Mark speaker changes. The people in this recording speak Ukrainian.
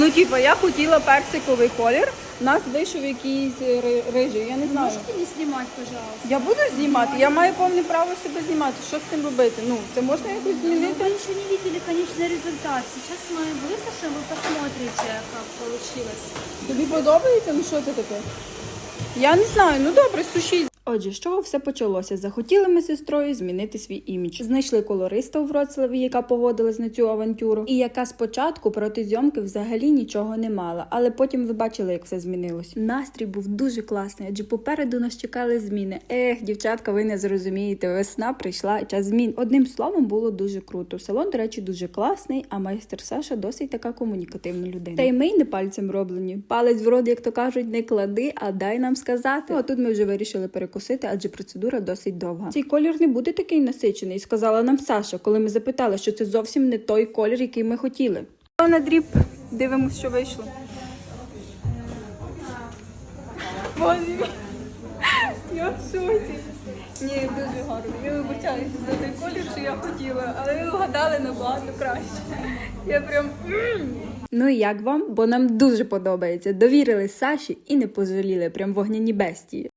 Speaker 1: Ну, типа, я хотіла персиковий колір, у нас вийшов якийсь рижий, я не знаю.
Speaker 2: Можете не снимать, пожалуйста?
Speaker 1: Я буду знімати, я маю повне право себе знімати. Що з цим робити? Ну, це можна якось
Speaker 2: Ну,
Speaker 1: змінити?
Speaker 2: вы еще не видели конечный результат. Сейчас мы высушим, вы посмотрите, как получилось.
Speaker 1: Тобі подобається? Ну, що це таке? Я не знаю, ну добре, сушіть. Отже, з чого все почалося? Захотіли ми з сестрою змінити свій імідж. Знайшли колориста у Вроцлаві, яка погодилась на цю авантюру, і яка спочатку проти зйомки взагалі нічого не мала. Але потім ви бачили, як все змінилось. Настрій був дуже класний, адже попереду нас чекали зміни. Дівчатка, ви не зрозумієте, весна прийшла і час змін. Одним словом, було дуже круто. Салон, до речі, дуже класний, а майстер Саша досить така комунікативна людина. Та й ми не пальцем роблені. Палець в рот, як то кажуть, не клади, а дай нам сказати. Ну, а тут ми вже вирішили перекусити, адже процедура досить довга. Цей колір не буде такий насичений, сказала нам Саша, коли ми запитали, що це зовсім не той колір, який ми хотіли. На дріб, дивимось, що вийшло. Боже мій, я в шоці. Ні, дуже гарно. Я вибачаюся за той колір, що я хотіла, але ви вгадали набагато краще. Я прям... Ну і як вам? Бо нам дуже подобається. Довірили Саші і не пожаліли, прям вогняні бестії.